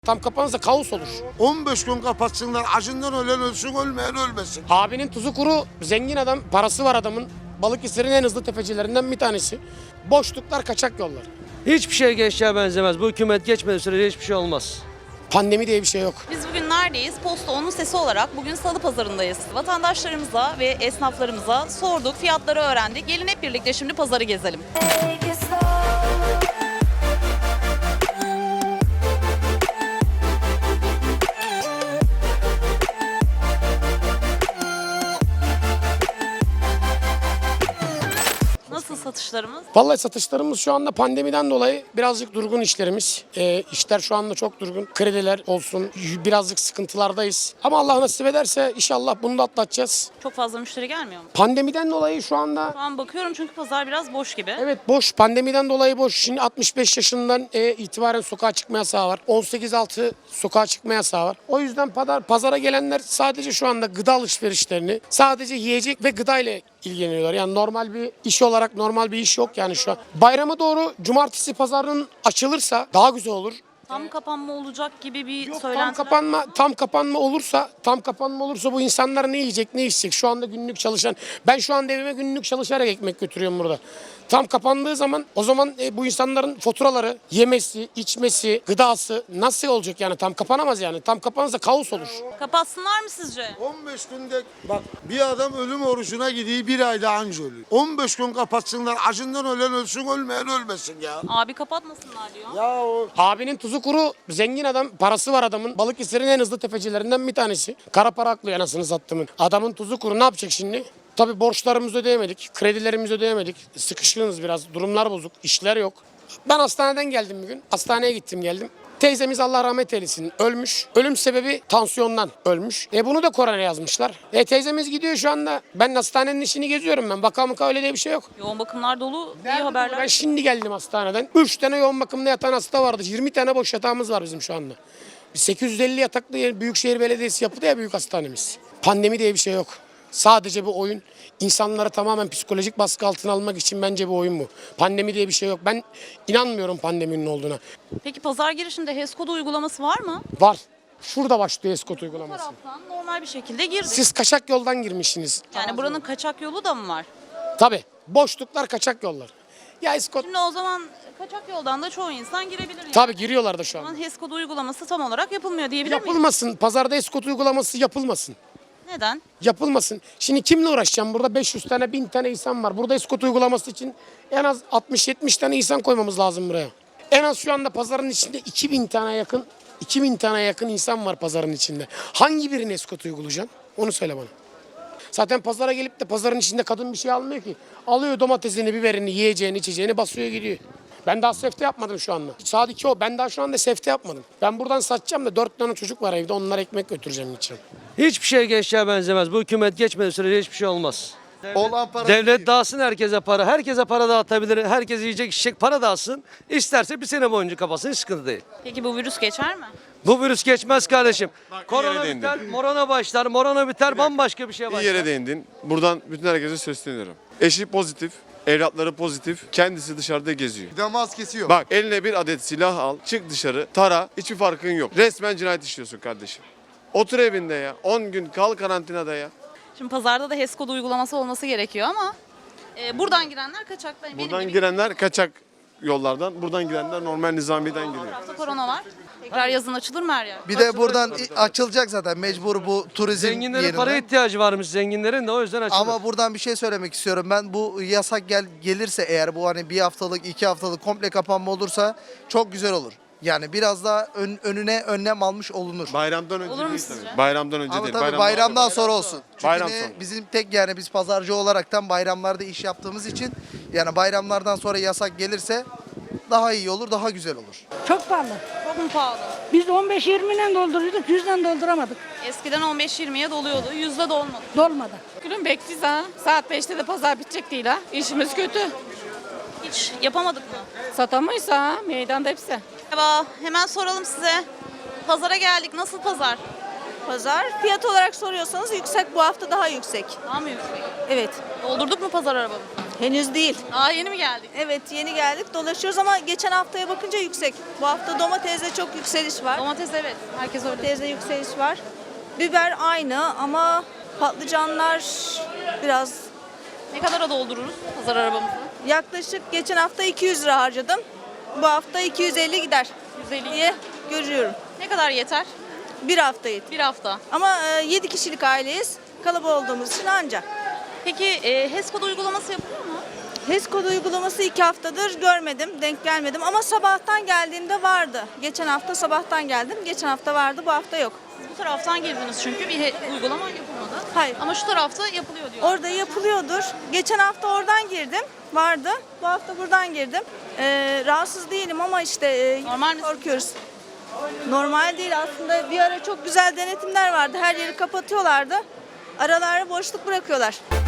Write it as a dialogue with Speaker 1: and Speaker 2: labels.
Speaker 1: Tam kapanırsa kaos olur.
Speaker 2: 15 gün kapatsınlar, acından ölen ölsün, ölmeyen ölmesin.
Speaker 1: Abinin tuzu kuru, zengin adam, parası var adamın. Balıkesir'in en hızlı tefecilerinden bir tanesi. Boşluklar, kaçak yollar.
Speaker 3: Hiçbir şey gençliğe benzemez. Bu hükümet geçmediği sürece hiçbir şey olmaz.
Speaker 1: Pandemi diye bir şey yok.
Speaker 4: Biz bugün neredeyiz? Posta onun sesi olarak bugün Salı Pazarı'ndayız. Vatandaşlarımıza ve esnaflarımıza sorduk, fiyatları öğrendik. Gelin hep birlikte şimdi pazarı gezelim. Nasıl satışlarımız?
Speaker 1: Vallahi satışlarımız şu anda pandemiden dolayı birazcık durgun işlerimiz. İşler şu anda çok durgun. Krediler olsun, birazcık sıkıntılardayız. Ama Allah nasip ederse inşallah bunu da atlatacağız.
Speaker 4: Çok fazla müşteri gelmiyor mu?
Speaker 1: Pandemiden dolayı şu anda
Speaker 4: Şu an bakıyorum çünkü pazar biraz boş gibi.
Speaker 1: evet boş. Pandemiden dolayı boş. Şimdi 65 yaşından itibaren sokağa çıkma yasağı var. 18-6 sokağa çıkma yasağı var. O yüzden pazara gelenler sadece şu anda gıda alışverişlerini, sadece yiyecek ve gıda ile ilgileniyorlar. Yani normal bir iş olarak normal bir iş yok yani şu an. Bayrama doğru cumartesi pazarının açılırsa daha güzel olur.
Speaker 4: Tam kapanma olacak gibi bir
Speaker 1: Yok,
Speaker 4: söylenti.
Speaker 1: tam kapanma olursa bu insanlar ne yiyecek, ne içecek? Şu anda günlük çalışan, ben şu anda evime günlük çalışarak ekmek götürüyorum burada. Tam kapandığı zaman o zaman bu insanların faturaları, yemesi, içmesi, gıdası nasıl olacak yani? Tam kapanamaz yani. Tam kapanırsa kaos olur.
Speaker 4: Kapatsınlar mı sizce?
Speaker 2: 15 günde bak bir adam ölüm orucuna gidiyor, bir ayda anca ölüyor. 15 gün kapatsınlar, acından ölen ölsün, ölmeyen ölmesin ya.
Speaker 4: Abi kapatmasınlar diyor.
Speaker 2: Ya o
Speaker 1: Abinin tuzu kuru, zengin adam, parası var adamın. Balıkesir'in en hızlı tefecilerinden bir tanesi. Kara para aklıyor anasını sattımın. Adamın tuzu kuru, ne yapacak şimdi? Tabii borçlarımızı ödeyemedik, kredilerimizi ödeyemedik. Sıkışkınız biraz, durumlar bozuk, işler yok. Ben hastaneden geldim bugün. Hastaneye gittim geldim. Teyzemiz Allah rahmet eylesin ölmüş. Ölüm sebebi tansiyondan ölmüş. Bunu da korona yazmışlar. Teyzemiz gidiyor şu anda. Ben hastanenin işini geziyorum ben. Vaka mıka öyle diye bir şey yok.
Speaker 4: Yoğun bakımlar dolu, iyi
Speaker 1: Ben
Speaker 4: haberler.
Speaker 1: şimdi geldim hastaneden. 3 tane yoğun bakımda yatan hasta vardı. 20 tane boş yatağımız var bizim şu anda. 850 yataklı Büyükşehir Belediyesi yapıldı ya büyük hastanemiz. Pandemi diye bir şey yok. Sadece bu oyun. İnsanları tamamen psikolojik baskı altına almak için bence bu oyun bu. Pandemi diye bir şey yok. Ben inanmıyorum pandeminin olduğuna.
Speaker 4: Peki pazar girişinde HES kodu uygulaması var mı?
Speaker 1: Var. Şurada başlıyor Escort
Speaker 4: Bu
Speaker 1: uygulaması.
Speaker 4: taraftan normal bir şekilde girdik.
Speaker 1: Siz kaçak yoldan girmişsiniz.
Speaker 4: Yani buranın kaçak yolu da mı var?
Speaker 1: Tabii. Boşluklar, kaçak yollar. Ya Escort
Speaker 4: Şimdi o zaman kaçak yoldan da çoğu insan girebilir. Yani.
Speaker 1: tabii giriyorlar da şu
Speaker 4: O
Speaker 1: an.
Speaker 4: zaman HES kodu uygulaması tam olarak yapılmıyor diyebilir miyiz?
Speaker 1: Yapılmasın. Pazarda Escort uygulaması yapılmasın.
Speaker 4: Neden?
Speaker 1: Yapılmasın. Şimdi kimle uğraşacağım? Burada 500 tane 1000 tane insan var. Burada Escort uygulaması için en az 60-70 tane insan koymamız lazım buraya. En az şu anda pazarın içinde 2000 tane yakın insan var pazarın içinde. Hangi birini Escort uygulayacaksın? Onu söyle bana. Zaten pazara gelip de pazarın içinde kadın bir şey almıyor ki. Alıyor domatesini, biberini, yiyeceğini, içeceğini basıyor gidiyor. Ben daha sefte yapmadım şu anda. Saat 2 o. Ben daha şu anda sefte yapmadım. Ben buradan satacağım da 4 tane çocuk var evde. Onlara ekmek götüreceğim için.
Speaker 3: Hiçbir şey gençliğe benzemez. Bu hükümet geçmediği sürece hiçbir şey olmaz.
Speaker 2: olan para
Speaker 3: Devlet dağıtsın herkese para. Herkese para dağıtabilir. Herkes yiyecek içecek para dağıtsın. İsterse bir sene boyunca kapatsın. Hiç sıkıntı değil.
Speaker 4: Peki bu virüs geçer mi?
Speaker 3: Bu virüs geçmez kardeşim. Korona
Speaker 5: yere
Speaker 3: biter, morona başlar. Morona biter, bambaşka bir şeye
Speaker 5: İyi
Speaker 3: başlar.
Speaker 5: yere değindin. Buradan bütün herkese sesleniyorum. Eşi pozitif, evlatları pozitif, kendisi dışarıda geziyor.
Speaker 2: bir de maskesi yok.
Speaker 5: Bak eline bir adet silah al, çık dışarı, tara, hiçbir farkın yok. Resmen cinayet işliyorsun kardeşim. Otur evinde ya, 10 gün kal karantinada ya.
Speaker 4: Şimdi pazarda da HES kodu uygulaması olması gerekiyor ama buradan girenler kaçak. Benim
Speaker 5: Buradan
Speaker 4: gibi
Speaker 5: girenler kaçak yollardan, buradan girenler normal nizamiden
Speaker 4: bir
Speaker 5: giriyor.
Speaker 4: tarafta korona var. Tekrar yazın açılır mı her yer?
Speaker 6: Bir de buradan açılacak zaten mecbur bu turizm
Speaker 3: Zenginlerin
Speaker 6: yerine.
Speaker 3: para ihtiyacı varmış zenginlerin de o yüzden açılır.
Speaker 6: Ama buradan bir şey söylemek istiyorum. Ben bu yasak gelirse eğer bu hani bir haftalık 2 haftalık komple kapanma olursa çok güzel olur. Yani biraz daha önüne önlem almış olunur.
Speaker 5: Bayramdan önce
Speaker 4: Olur mu
Speaker 5: değil
Speaker 4: sizce?
Speaker 5: tabii. Bayramdan önce
Speaker 6: Ama
Speaker 5: değil.
Speaker 6: tabii bayramdan sonra olsun. Çünkü
Speaker 5: Bayram
Speaker 6: ne,
Speaker 5: sonra.
Speaker 6: bizim tek yani biz pazarcı olaraktan bayramlarda iş yaptığımız için yani bayramlardan sonra yasak gelirse daha iyi olur, daha güzel olur.
Speaker 7: Çok pahalı.
Speaker 4: Çok mu pahalı?
Speaker 7: Biz 15-20'den dolduruyorduk, 100'den dolduramadık.
Speaker 4: Eskiden 15-20'ye doluyordu. %de olmadı.
Speaker 7: Dolmadı.
Speaker 8: Gülüm bekliyiz ha. Saat 5'te de pazar bitecek değil ha. İşimiz kötü.
Speaker 4: Hiç yapamadık mı?
Speaker 8: Satamayız ha. Meydanda hepsi.
Speaker 4: Merhaba. Hemen soralım size. Pazara geldik. Nasıl pazar?
Speaker 9: Pazar fiyat olarak soruyorsanız yüksek, bu hafta daha yüksek.
Speaker 4: Daha mı yüksek?
Speaker 9: Evet.
Speaker 4: Doldurduk mu pazar arabamızı?
Speaker 9: Henüz değil.
Speaker 4: Aa, yeni mi geldik?
Speaker 9: Evet, yeni geldik, dolaşıyoruz ama geçen haftaya bakınca yüksek. Bu hafta domatesde çok yükseliş var.
Speaker 4: Domates evet. Herkes öyle.
Speaker 9: Domatesde yükseliş var. Biber aynı ama patlıcanlar biraz
Speaker 4: Ne kadara doldururuz pazar arabamızı?
Speaker 9: yaklaşık geçen hafta 200 lira harcadım. Bu hafta 250 gider
Speaker 4: 150.
Speaker 9: diye görüyorum.
Speaker 4: Ne kadar yeter?
Speaker 9: Bir hafta yeter.
Speaker 4: Bir hafta.
Speaker 9: Ama 7 kişilik aileyiz. Kalabalık olduğumuz için anca.
Speaker 4: Peki HES kodu uygulaması yapılıyor mu?
Speaker 9: HES kodu uygulaması 2 haftadır görmedim, denk gelmedim ama sabahtan geldiğimde vardı. Geçen hafta sabahtan geldim, geçen hafta vardı, bu hafta yok.
Speaker 4: Siz bu taraftan girdiniz çünkü bir uygulama yapılmadı.
Speaker 9: Hayır.
Speaker 4: Ama şu tarafta yapılıyor diyor.
Speaker 9: Orada yapılıyordur. Geçen hafta oradan girdim, vardı. Bu hafta buradan girdim. Rahatsız değilim ama işte
Speaker 4: Normal mi?
Speaker 9: korkuyoruz. Normal değil aslında. Bir ara çok güzel denetimler vardı. Her yeri kapatıyorlardı. Aralara boşluk bırakıyorlar.